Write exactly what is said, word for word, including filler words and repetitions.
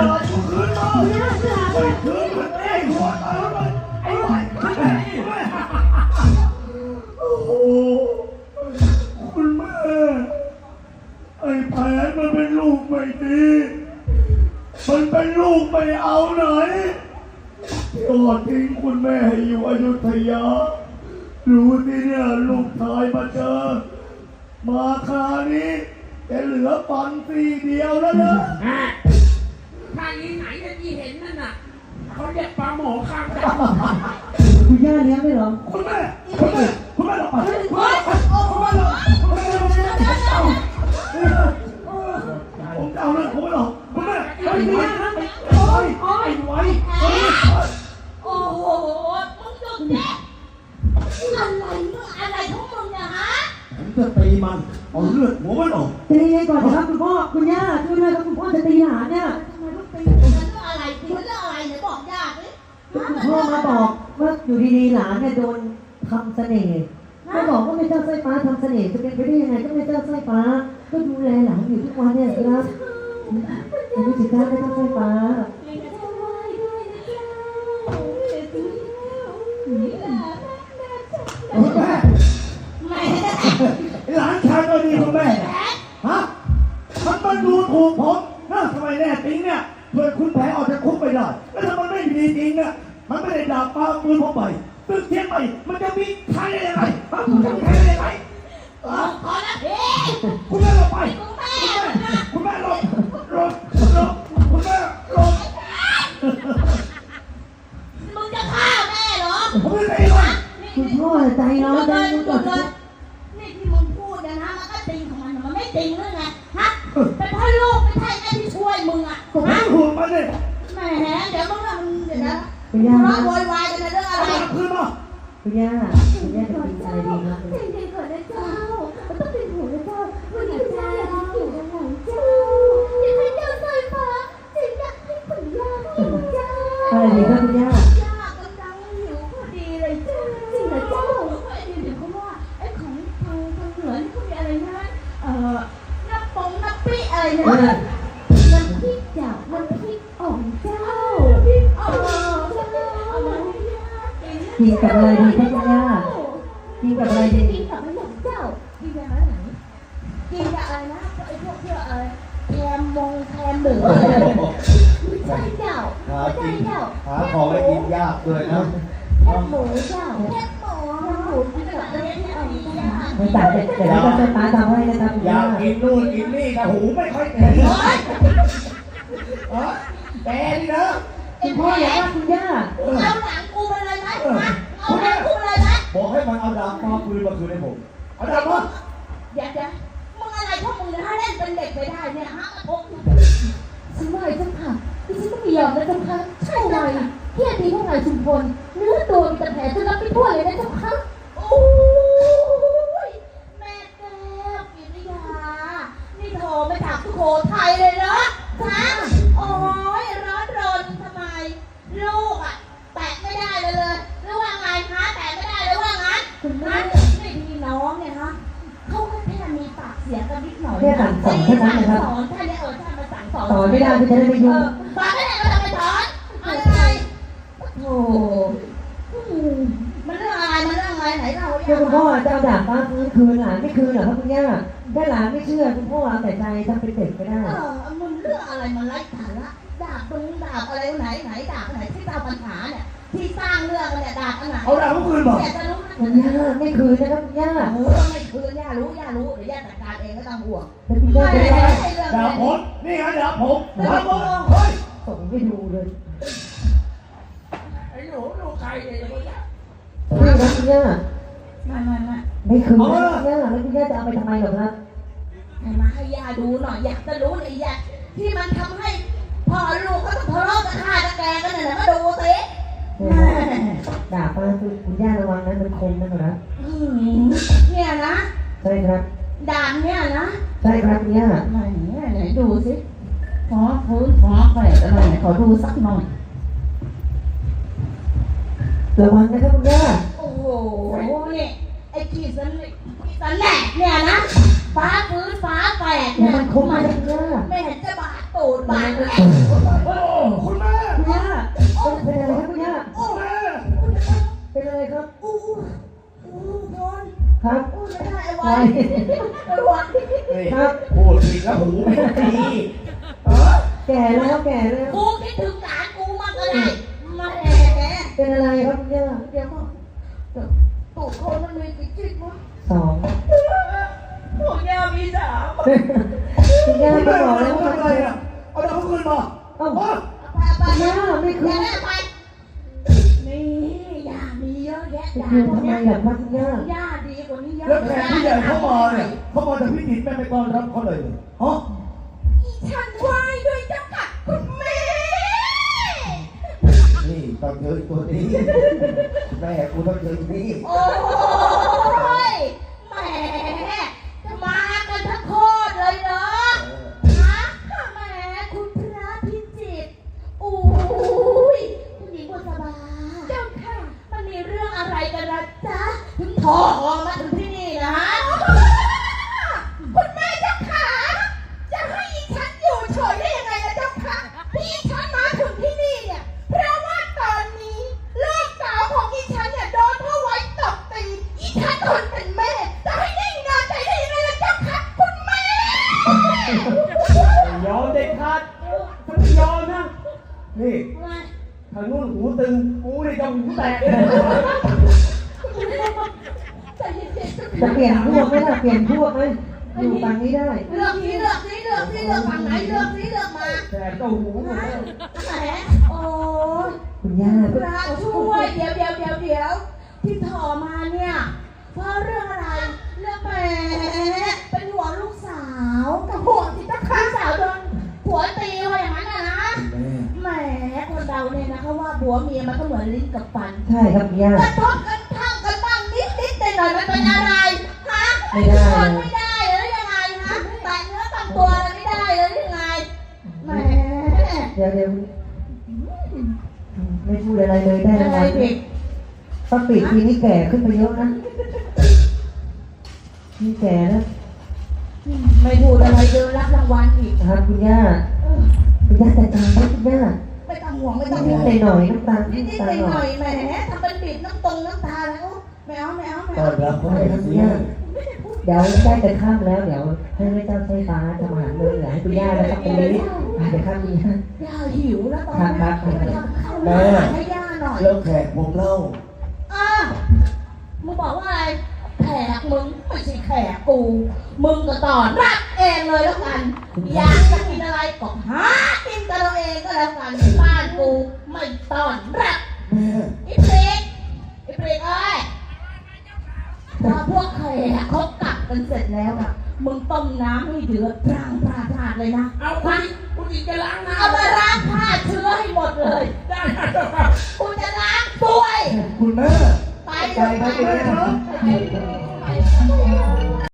ดาบกูคืนมาไม่คืนมันเองหัวตายเลยไอ้ไว้โอ้โหคุณแม่ไอ้แผนมันเป็นลูกไม่ดีมันเป็นลูกไม่เอาไหนยอดทิ้งคุณแม่ให้อยู่อยุธยารู้ที่เนี่ยลูกชายมาเจอมาคราวนี้จะเหลือฟันซี่เดียวแล้วนะถ้าอีไหนที่เห็นนั่นน่ะเขาเรียกปลาหมอข้างดำคุณย่าเลี้ยงไม่หรอคุณแม่คุณแม่คุณแม่หลับไปคุณแม่คุณแม่หลับคุณแม่ผมจะเอาเรื่องผมไม่หรอกคุณแม่ไอ้ไว้ไอ้ไว้ไอ้ไว้โอ้โหมึงจุดแจ๊อะไรมึงอะไรของมึงเนี่ยฮะผมจะตีมันเอาเลือดหัวมันออกตีไงก่อนครับคุณพ่อคุณย่าช่วยด้วยครับคุณพ่อจะตีหลานเนี่ยทำไมลูกตีมันเรื่องอะไรตีมันเรื่องอะไรเนี่ยบอกยากเลยคุณพ่อมาบอกว่าอยู่ดีๆหลานเนี่ยโดนทำเสน่ห์ก็บอกว่าไม่เจ้าสร้อยฟ้าทำเสน่ห์จะเป็นไปได้ยังไงก็ไม่เจ้าสร้อยฟ้าก็ดูแลหลานอยู่ทุกวันเนี่ยครับยังไม่ถึงการไม่เจ้าสร้อยฟ้าคุณแม่หลานชายก็ดีคุณแม่ฮะมันมันดูถูกผมนะทำไมแน่จริงเนี่ยเพื่อคุณแผลออกจากคุกไปได้แล้วถ้ามันไม่ดีจริงเนี่ยมันไม่ได้ดาบปาปืนผมไปตึกเทียนไปมันจะมีใครได้ยังไงมันจะมีใครได้ยังไงพอแล้วพี่คุณแม่ลงไปคุณแม่ลงลงลงคุณแม่ลงมึงจะฆ่าแม่เหรอผมไม่ได้เลยคุณพ่อใจร้อนใจหยุดเลยนี่ที่มึงพูดนะมันก็จริงของมันมันไม่จริงหรือไงฮะเป็นพ่อลูกไม่ใช่แม่ที่ช่วยมึงอ่ะผมไม่ห่วงมันเลยแหมเดี๋ยวมึงมึงเดี๋ยวนะร้องโวยวายกันเรื่องอะไรคืนมาคุณย่าคุณย่าจะกินอะไรดีนะใจเย็นก่อนนะเจ้าต้องเป็นห่วงนะเจ้าวันนี้เจ้าอยู่กับหลานเจ้าอยากให้เจ้าสายฟ้าอยากให้คุณย่าหิวเจ้าอะไรดีครับคุณย่าย่ากำลังหิวพอดีเลยเจ้าจริงเหรอเจ้าเดี๋ยวเขาว่าไอ้ของทางทางเหนือนี่เขามีอะไรนะเอ่อน้ำปงน้ำปี้อะไรนะน้ำพริกเจ้าน้ำพริกอ่องเจ้าพริกอ่องเจ้ากินกับอะไรดีครับคุณย่ากินกับอะไรดีกินกับอะไรเจ้ากินกับอะไรไหนกินกับอะไรนะไอ้พวกเพื่ออะไรแคมมงแคมหมูใช่เจ้าใช่เจ้าหาของไม่กินยากเลยนะแคบหมูเจ้าแคบหมูแคบหมูกินกับอะไรที่เอาเจ้าไม่ต่างแต่แต่แล้วก็ป้าทำให้นะครับอยากกินนู่นกินนี่นะหูไม่ค่อยแข็งเออแต่นี่นะคุณพ่ออยากว่าคุณย่าเอาหนังกูมาเลยไหมเอาหนังกูเลยไหมบอกให้มันเอาดาบมาปืนมาคืนให้ผมเอาดาบมาอย่าอย่ามึงอะไรพวกมึงนะเล่นเป็นเด็กไปได้เนี่ยฮะพวกฉันว่าไอ้เจ้าค่ะที่ฉันต้องไม่ยอมนะเจ้าค่ะใช่เลยที่อดีตพวกนายชุมพลเนื้อตัวมีแต่แผลจนรับไม่ทั่วเลยนะเจ้าค่ะโอ้ยแม่แก้วกิริยานี่โทรมาจากสุโขทัยเลยเนาะฮะโอ้ยร้อนรนทำไมลูกอ่ะแตะไม่ได้เลยเลยหรือว่าไงคะแตะไม่ได้เลยว่างั้นคุณแม่ไม่พี่น้องเนี่ยฮะเขาก็แค่มีปากเสียงกันนิดหน่อยแค่สั่งสอนแค่นั้นนะครับสอนแค่นี้เออถ้ามาสั่งสอนสอนไม่ได้ก็จะได้ไม่ยุ่งสอนไม่ได้ก็จะไปสอนอะไรโอ้มันเรื่องอะไรมันเรื่องอะไรไหนเราคุณพ่อจะเอาดาบฟ้าคืนคืนหลานไม่คืนเหรอครับคุณย่าถ้าหลานไม่เชื่อคุณพ่อเอาแต่ใจทำเป็นเด็กไม่ได้เออมันเรื่องอะไรมันไร้สาระดาบตรงดาบอะไรไหนไหนดาบไหนที่เราปัญหาเนี่ยที่สร้างเรื่องเนี่ยดาบอันไหนเอาดาบคืนบอกอยากจะรู้นะคุณย่าไม่คืนนะครับคุณย่าเออไม่คืนย่ารู้ย่ารู้เดี๋ยวย่าจัดการเองก็ต้องห่วงแต่คุณย่าไม่ได้ดาบผมนี่ไงดาบผมดาบผมเฮ้ยส่งไปดูเลยไอ้หนูหนูใครเนี่ยคุณย่าไม่ครับคุณย่าไม่ไม่ไม่ไม่คืนนะคุณย่าแล้วคุณย่าจะเอาไปทำไมหรอครับมาให้ย่าดูหน่อยอยากจะรู้เลยย่าที่มันทำให้พ่อลูกเขาต้องทะเลาะกันฆ่ากันแกงกันเนี่ยก็ดูสิดาบมาคือคุณย่าระวังนะมันคมนะครับเนี่ยนะใช่ครับดาบเนี่ยนะใช่ครับคุณย่าไหนไหนดูสิฟ้าพื้นฟ้าแฝดอะไรขอดูสักหน่อยระวังนะครับคุณย่าโอ้โหนี่ไอ้ขีดสันสันแหลกเนี่ยนะฟ้าพื้นฟ้าแฝดเนี่ยมันคมมากคุณย่าไม่เห็นจะบาดตูดบาดแหลกไว้ระวังเฮ้ยพูดผิดแล้วหูไม่ดีเออแก่แล้วแก่แล้วกูคิดถึงหลานกูมากก็ได้มาแหมเป็นอะไรครับคุณย่าเดี๋ยวก่อนตูดคนมันมีกี่จิ๊กวะสองของย่ามีสามคุณย่าคุณก็แม่บอกทำแล้วว่าอะไรอ่ะเอาดาวขึ้นมาเอ้าเออไปไปคุณย่าไม่คืย่าน ไปนี่ย่ามีเยอะแยะจะย่าคืนพวกทำไมเนี้ยล่ะครับคุณย่าย่าดีกว่านี้เยอะแล้วแขกผู้ใหญ่เข้ามาเนี่ยเข้ามาจากพิจิตรแม่ไม่ต้อนรับเขาเลยฮะฉันไหว้ด้วยเจ้าค่ะคุณแม่นี่ตอนเจอตัวนี้แม่กูต้องเจอนี่โอ้ยแหมจะมากันทั้งโคตรเลยเหรอฮะแหมคุณพระพิจิตรโอ้ยคุณหญิงบุษบาเจ้าค่ะมันมีเรื่องอะไรกันนะจ๊ะถึงโทรมาถึงที่นี่นะคุณแม่เจ้าค่ะจะให้อีฉันอยู่เฉยได้ยังไงนะเจ้าค่ะที่ฉันมาถึงที่นี่เนี่ยเพราะว่าตอนนี้ลูกสาวของอีฉันเนี่ยโดนพ่อไว้ตบตีอีฉันคนเป็นแม่จะให้ได้นอนใจได้ยังไงล่ะเจ้าค่ะคุณแม่ยอมเด็ดขาดฉันไม่ยอมนะ นี่ทางนู้นหูตึงกูนี่จะหูแตกเลยใจเย็นๆจะเปลี่ยนพวกไหมล่ะเปลี่ยนพวกไหมอยู่ฝั่งนี้ได้เลือกสิเลือกสิเลือกสิเลือกฝั่งไหนเลือกสิเลือกมาแตกก็หูหมดแล้วแหมโอ้ยคุณย่าพระช่วยเดี๋ยวเดี๋ยวเดี๋ยวเดี๋ยวที่ถอมาเนี่ยเพราะเรื่องอะไรเรื่องแหมเป็นห่วงลูกสาวกับห่วงที่ตะข้าสาวโดนผัวตีว่าอย่างนั้นนะนะแหมคนเราเนี่ยนะเขาว่าผัวเมียมันก็เหมือนลิ้นกับฟันใช่ครับคุณย่ากระทบกันทั้งกันบ้างนิดนิดหน่อยหน่อยมันเป็นอะไรฮะไม่ได้ทนไม่ได้หรือยังไงฮะแตะเนื้อตามตัวอะไรไม่ได้หรือยังไงแหมเดี๋ยวเดี๋ยวไม่พูดอะไรเลยได้อะรางไรวัลผิดป้าปีทีนี้แก่ขึ้นไปเยอะนะนี่แก่แล้วไม่พูดอะไรเดินรับรางวัลอีกนะครับคุณย่าคุณย่าจัดการให้คุณย่าไม่ต้องห่วงไม่ต้องนิห่ดวงๆหน่อยๆน้ำตาลนิดน้ำนิดตาหลน่อยหหน่น่ออย ยแหมทำเป็นบีบน้ำตรงน้ำตาแล้วไม่เอาไม่เอาไม่ต้อเอานรับเขาไม่ให้ครับคุณเสียย่าเดี๋ยวใกล้จะข้ามแล้วเดี๋ยวให้แม่เจ้าไฟฟ้าทำอาหารมื้อเหลือให้คุณย่านะครับตรงนี้เดี๋ยวข้ามคุณย่าย่าหิวแล้วตอนครันี้บครับไปทำข้าวหน้าให้ย่าหน่อยแล้วแขกผมเล่าอ่ะมึงบอกว่าอะไรแขกมึงไม่ใช่แขกกู มึงก็ตอนรับเองเลยแล้วกัน อยากจะกินอะไรก็หากินกันเราเองก็แล้วกันบ้านกูไม่ตอนรับแม่อีเปรกอีเปรกเอ้ยพอพวกแขกเขากลับกันเสร็จแล้วอะมึงต้มน้ำให้เดือดพรางพราพราดเลยนะเอาคุณหญิงคุณหญิงจะล้างน้ำเอามาล้างผ้าเชื้อให้หมดเลยได้ครับกูจะล้างด้วยคุณแม่ไปไปไปไปไปไปไป